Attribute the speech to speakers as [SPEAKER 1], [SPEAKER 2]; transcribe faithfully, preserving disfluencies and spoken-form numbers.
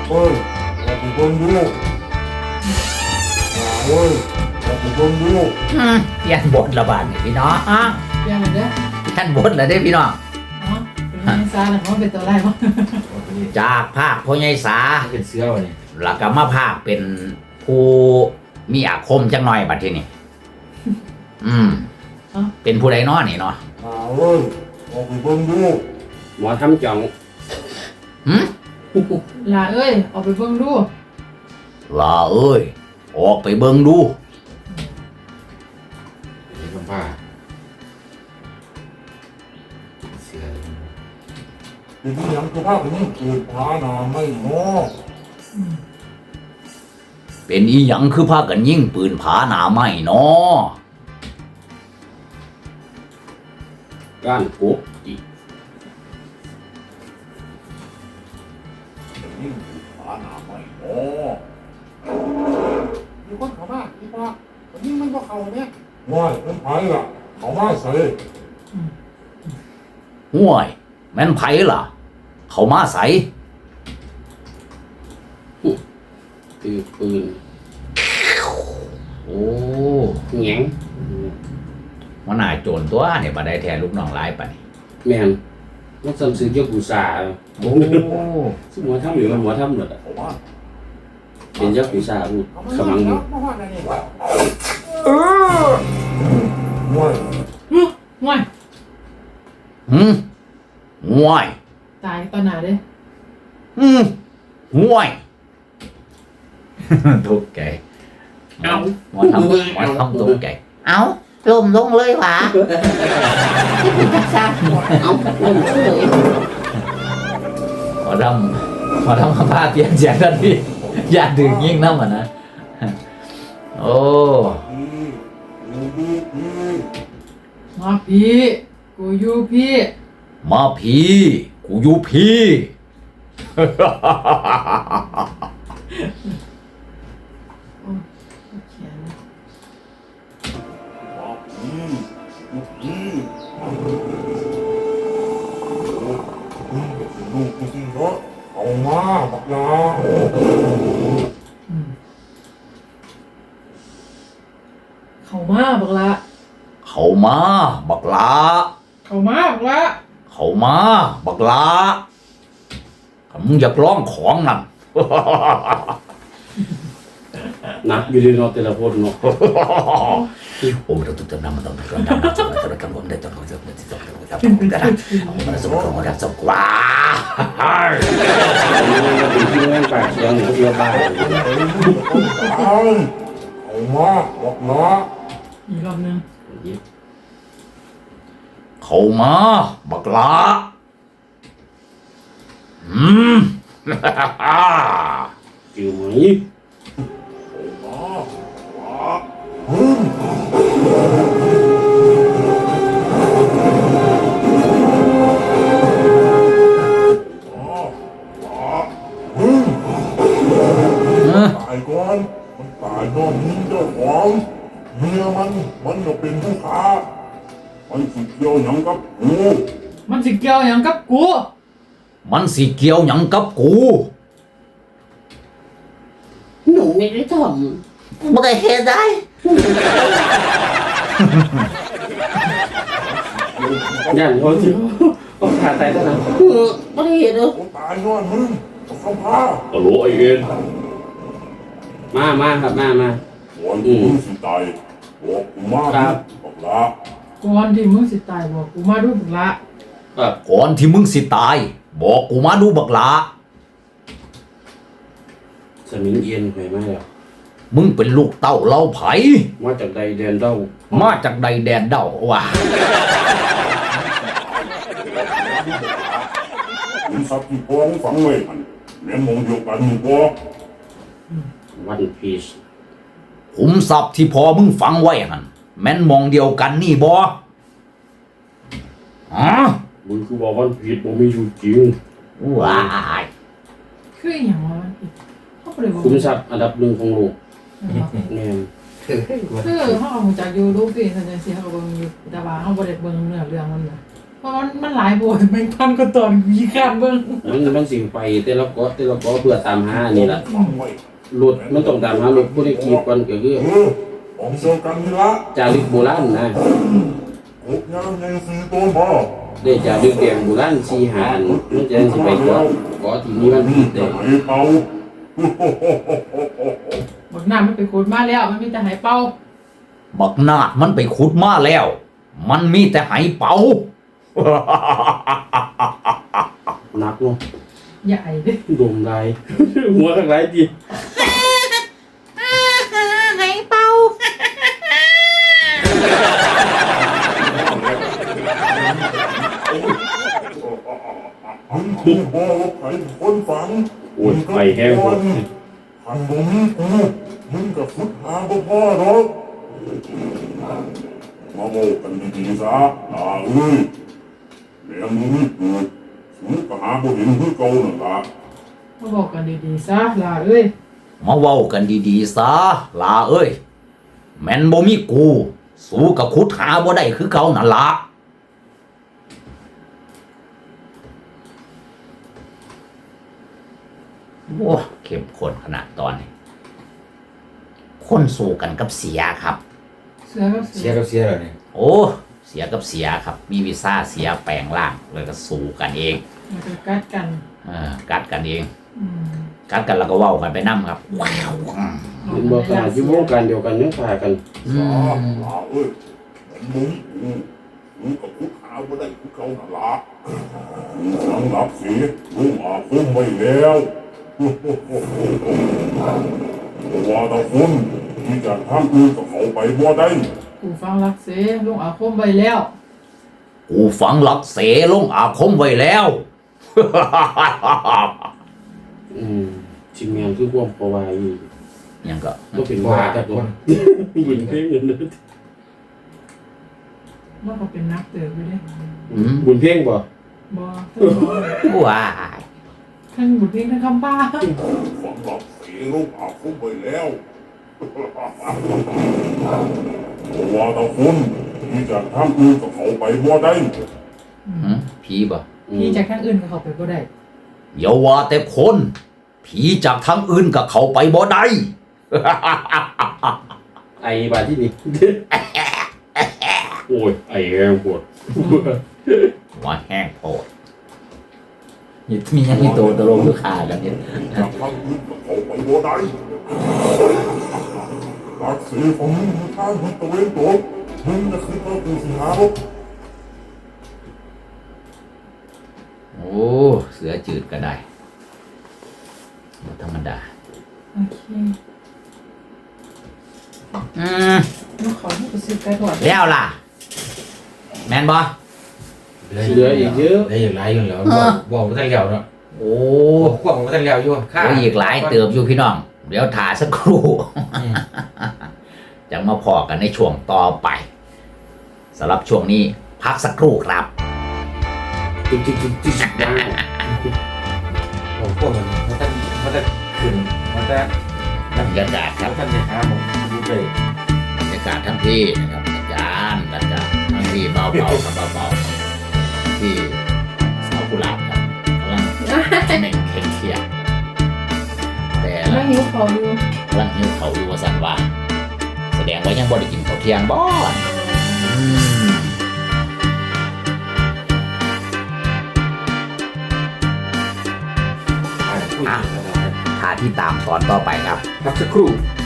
[SPEAKER 1] เอ้ยเราไปเบิ่งดูเอ้ยเราไปเบิ่งดู
[SPEAKER 2] อืมเปลี่ยนบทระบาดนี่พี่น้อง
[SPEAKER 3] เปลี่ยนเลยเด้อ
[SPEAKER 2] เปลี่ยนบทแล้วเด้พี่น้อง
[SPEAKER 3] เนาะเป็นยังไงซาหรือว่าเป็นตัวไรบ้าง
[SPEAKER 2] จากภาคพ่อใหญ่สา
[SPEAKER 4] เป็นเสื้อวะนี่
[SPEAKER 2] แล้วก็มาภาคเป็นผู้มีอาคมจังหน่อยบัดทีนี้อืมเป็นผู้ใดน้อนี่เนาะ
[SPEAKER 1] เอ้ยเราไปเบิ่งดู
[SPEAKER 4] หมอทำจ่อง
[SPEAKER 2] หืม
[SPEAKER 3] ลาเอ้ยออกไปเบิ่งดู
[SPEAKER 2] ลาเอ้ยออกไปเบิ่งดู
[SPEAKER 4] นี่ก็ผ้าเสื้อ
[SPEAKER 1] ทีนี้ยังคือภาพนี้เกิดพานาไม่เนาะ
[SPEAKER 2] เป็นอีหยังคือพากันยิงปืนผาหนาไม้เนาะ
[SPEAKER 4] ก้านกุ๊บอีก
[SPEAKER 1] ยิ่งผานาไม่เนาะมีคนเข้ามาอีกว่าคนนี้มันบ่เข้าเนี่ยง่ายเป็นไผล่ะเข้ามาใส่
[SPEAKER 2] ห่วยแม่นไผล่ะ เขามาใส
[SPEAKER 4] คือปืน
[SPEAKER 2] โอ้
[SPEAKER 4] แหง
[SPEAKER 2] มันน่าโจรตัวเนี่ยบัดได้แทนลูกน้องหลายปานนี้
[SPEAKER 4] แม่นมันซ้ำซื้อเกี่ยวกูสา
[SPEAKER 2] โอ้
[SPEAKER 4] สมหัวทำหรือมันหัวทำหมดอ่ะ
[SPEAKER 1] เข้ามา
[SPEAKER 4] เป็นเจ้ากูสาพูด
[SPEAKER 1] เข้ามา
[SPEAKER 4] ขมังอยู่
[SPEAKER 1] เข้ามาในนี่
[SPEAKER 3] เออ
[SPEAKER 1] ง่าย
[SPEAKER 3] ฮึห่วย
[SPEAKER 2] หืมห่วย
[SPEAKER 3] ตายตอนไหนเด้
[SPEAKER 2] อืมห่วย ทุกใจ
[SPEAKER 4] เอา
[SPEAKER 2] หมอทำหมอทำทุกใจ
[SPEAKER 5] เอาลมลงเลยวะที่เป็นจักซ่าเอาลมเลย
[SPEAKER 2] หมอทำหมอทำคำพาเปลี่ยนเสียงทันทีอย่าดึงยิ่งน้ำอ่ะนะ โอ้
[SPEAKER 1] ดีดีดี
[SPEAKER 3] มาพี่กูอยู่พี่
[SPEAKER 2] มาพีกูอยู่พี
[SPEAKER 3] โอ้เขียน
[SPEAKER 1] ดีดีลูกกูสิเนาะเอามาบักยา
[SPEAKER 3] เข้ามาบักละ
[SPEAKER 2] เขามาบักลา
[SPEAKER 3] เข้ามาบักละ
[SPEAKER 2] เขามาบักลาถ้ามึงอยากร้องของนั่น
[SPEAKER 4] หนักอยู่ดีเนาะแต่ละคนเนาะ
[SPEAKER 2] โอ้เราต้องจำนำมันต้องจำนำมันต้องจำนำมันต้องจำนำมันต้องจำนำมันต้องจำนำมันต้องจำนำมันต้องจำว้า
[SPEAKER 4] มันเป็นที่แม่งปากเสียงเขาเยอะบ้า
[SPEAKER 1] เอาเอามาบักยา
[SPEAKER 3] อีกรอบนึง
[SPEAKER 2] เขามาบักลาอืม
[SPEAKER 4] จิ๋วไหม
[SPEAKER 1] มาบักฮึ่มฮึ่มตายก่อนมันตายนอนนิ่งเจ้าของเมียมันมันก็เป็นผู้ค้ามันสิเกี่ยวหยังกับกู
[SPEAKER 3] มันสิเกี่ยวหยังกับกู
[SPEAKER 2] มันสิเกี่ยวหยังกับกู
[SPEAKER 5] หนูไม่ได้ทำไม่ได้เฮ็ดได้
[SPEAKER 4] ย่านเขาจิ๋วก็ขาดใจแล้วนะ
[SPEAKER 5] ไม่ได้เฮ็ดเลย
[SPEAKER 1] กูตายนอนมึงเขาพา
[SPEAKER 4] โอ้โหไอเอ็นมามาครับมามา
[SPEAKER 1] วันที่มึงสิตายบอกกูมา
[SPEAKER 4] ครับ
[SPEAKER 1] บอกลา
[SPEAKER 3] ก่อนที่มึงสิตายบอกกูมาดูบักละ
[SPEAKER 4] ครับ
[SPEAKER 2] ก่อนที่มึงสิตาย บอกกูมาดูบักลา
[SPEAKER 4] สมิงเอียนไปมาแล้ว
[SPEAKER 2] มึงเป็นลูกเต้าเล่าไผ
[SPEAKER 4] มาจากใดแดนเด้า
[SPEAKER 2] มาจากใดแดนเด้าว่ะ
[SPEAKER 1] มึงสับที่พองฝังไว้มันแม่นมองเดียวกันมึงบอก
[SPEAKER 4] วันพีช
[SPEAKER 2] ขุมทรัพย์ที่พอมึงฝังไว้หันแม่นมองเดียวกันนี่บ่อ๋อ
[SPEAKER 4] มึงคือบอกวันพีชบ่มีอยู่จริง
[SPEAKER 2] ว้าย
[SPEAKER 3] คืออหย่างวะมันอีกเขาบ่ได้บอก
[SPEAKER 4] คุ้มทรัพย์อันดับหนึ่งของโลกแม่น
[SPEAKER 3] คือเขาเอามาจากยูรูปีสันจังซี่เขาก็เบิ่งอยู่แต่ว่าเขาบ่ได้เบิ่งเนื้อเรื่องมันน่ะเพราะมันมันหลายบทแม่งพันก็ตอนมีข้ามเบิ่ง
[SPEAKER 4] มันมันสิไปแต่ละเกาะแต่ละเกาะเพื่อตามหานี่ล่ะ
[SPEAKER 1] ฟังไว้
[SPEAKER 4] รถมันต้องตามหารถผู้ได้ขี่ก่อนก็คือ
[SPEAKER 1] เออของเดียวกันนี่ละ
[SPEAKER 4] จารึกโบราณนะ
[SPEAKER 1] กบยางใหญ่สี่ตัวบ่
[SPEAKER 4] ได้จารึกแดงโบราณสี่หาอันมันจะสิไปเกาะเกาะที่มีวัน
[SPEAKER 1] นี่
[SPEAKER 4] ที่
[SPEAKER 1] จะ
[SPEAKER 4] แต่
[SPEAKER 1] ให้เขา
[SPEAKER 3] บักหน้ามันไปโคตรมาแล้ว มันมีแต่หายเป่า
[SPEAKER 2] บักนาดมันไปขุดมาแล้ว มันมีแต่ไหเป่า
[SPEAKER 4] หนักเนาะ
[SPEAKER 3] ใหญ่เด้
[SPEAKER 4] ดมลาย หัวข้างไรจี
[SPEAKER 5] ไหเป่า
[SPEAKER 1] มึงคือบ่ว่าใครคนฝัง
[SPEAKER 4] โอ้ยไฟแห้งหมด
[SPEAKER 1] หันบ่มีกูมึงกับฟุดหาบ่พ่อหรอกมาโมกันดีๆซะอ่าเอ้ยแม่มึงนี่เกิดสูงก็หาบ่เห็นคือเก่านั่นล่ะ
[SPEAKER 3] มาบอกกันดีๆซะลาเอ้ย
[SPEAKER 2] มาเว้ากันดีๆซะลาเอ้ย แม่นบ่มีกู สู้กับขุดหาบ่ได้คือเก่านั่นละโอ้เข้มข้นขนาดตอนนี้ คนสู้กันกับเสียครับ
[SPEAKER 3] เสือก็เสื
[SPEAKER 6] เสีย
[SPEAKER 3] อ
[SPEAKER 6] กับเสียแล้วนี่
[SPEAKER 2] โอ้ เสียกับเสียครับ มีวีซ่าเสียแปลงร่างเลยก็สู้กันเอง
[SPEAKER 3] มันก็กัดกัน
[SPEAKER 2] เออกัดกันเอง
[SPEAKER 3] อืม
[SPEAKER 2] กัดกันแล้วก็เว้ากันไปนํครับว้าวอืม
[SPEAKER 4] เป็นบ่ขนาดอยู่วงการเดียวกันยังฆ่ากัน
[SPEAKER 2] อื
[SPEAKER 1] ซาม ลาเอ้ยแม่มึงนี่กูสูงกับฟุดหาบ่ได้คือเก่านั่นล่ะมึงสังหลับสิลุงอาคมไว้แล้วว่าแตะคนที่จะทำอื่นกับเขาไปบ่ได้
[SPEAKER 3] กูฟังรักเสลุงอาคมไว้แล้ว
[SPEAKER 2] กูฝังหลักเสลงอาคมไว้แล้ว
[SPEAKER 4] อืมชิมแมงคือความปวายอยู่
[SPEAKER 2] ยังก็
[SPEAKER 4] ก็เป็นว่าแต่คนยินเพ่งเงินเลย
[SPEAKER 3] ว่าเขาเป็นนักเติบอยู่เด้
[SPEAKER 4] บุญเพ่งบ่
[SPEAKER 3] บ่ทั้งบ่
[SPEAKER 2] ว้าย
[SPEAKER 3] ทั้งบุญเพียงทั้งคำป้า
[SPEAKER 1] ฝังหลับเสลูกอาคมไปแล้วว่าแตะคนที่จะทำอื่นกับเขาไปบ่ได้
[SPEAKER 2] หืมผีบ่
[SPEAKER 3] พี่จากทางอื่นก็เขาไปบ่ได้
[SPEAKER 2] อย่าว่าแต่คน ผีจากทางอื่นกับเขาไปบ่ได้
[SPEAKER 4] ไอ้บาดที่นี่โอ้ยไอ้แรงปวด
[SPEAKER 2] ว่าแห้งโพดนี่มียังมีตัวตลงลูกค้ากันเนี่ย
[SPEAKER 1] จะทำอื่นกับเขาไปบ่ได้หลักเสของมึงคือทางทิศตะเวนตกมึงจะคือพระกูสิหารบ
[SPEAKER 2] โอ้เสือจืดก็ได้บ่ธรรมดา
[SPEAKER 3] โอเค
[SPEAKER 2] อืม
[SPEAKER 3] น้องขอให้ไปซื้อไก่ทอด
[SPEAKER 2] แล้วล่ะ แมนบ่
[SPEAKER 4] เหลืออีกเยอะ
[SPEAKER 6] ได้อีกหลายอยู่แล้วบอกบอกว่าท่านเลี้ยวเนาะ
[SPEAKER 2] โอ้
[SPEAKER 6] บอกว่าท่านเลี้ยวอยู่ค่า
[SPEAKER 2] โอ้อีกหลายเติบอยู่พี่น้อง เดี๋ยวถ่าสักครู่
[SPEAKER 6] อืม
[SPEAKER 2] จะมาพอกันในช่วงต่อไปสำหรับช่วงนี้พักสักครู่ครับ
[SPEAKER 4] จิ๊กจิ๊กจิ๊กจิ๊กมา
[SPEAKER 6] ผมพวกมันมันท่านมันจะขึ้นมันจะ
[SPEAKER 2] บรรยากาศครับ
[SPEAKER 6] ท่านจะหาผมดูเลย
[SPEAKER 2] บรรยากาศทั้งที่นะครับอาจารย์อาจารย์ทั้งที่เบาๆครับเบาๆที่สาวกุหลาบครับกำลังเน่งเข่งเขียดแต่
[SPEAKER 3] แล้
[SPEAKER 2] ละ
[SPEAKER 3] วหิวเขาอยู่
[SPEAKER 2] กำลังหิวเขาวอยู่ว่าสันว่า แสดงว่ายังบ่ได้กินข้าวเที่ยงบ่อืม
[SPEAKER 6] อ่านคุยกันนะครับ
[SPEAKER 2] ท่าที่ตามตอนต่อไปครับ
[SPEAKER 6] พักสักครู่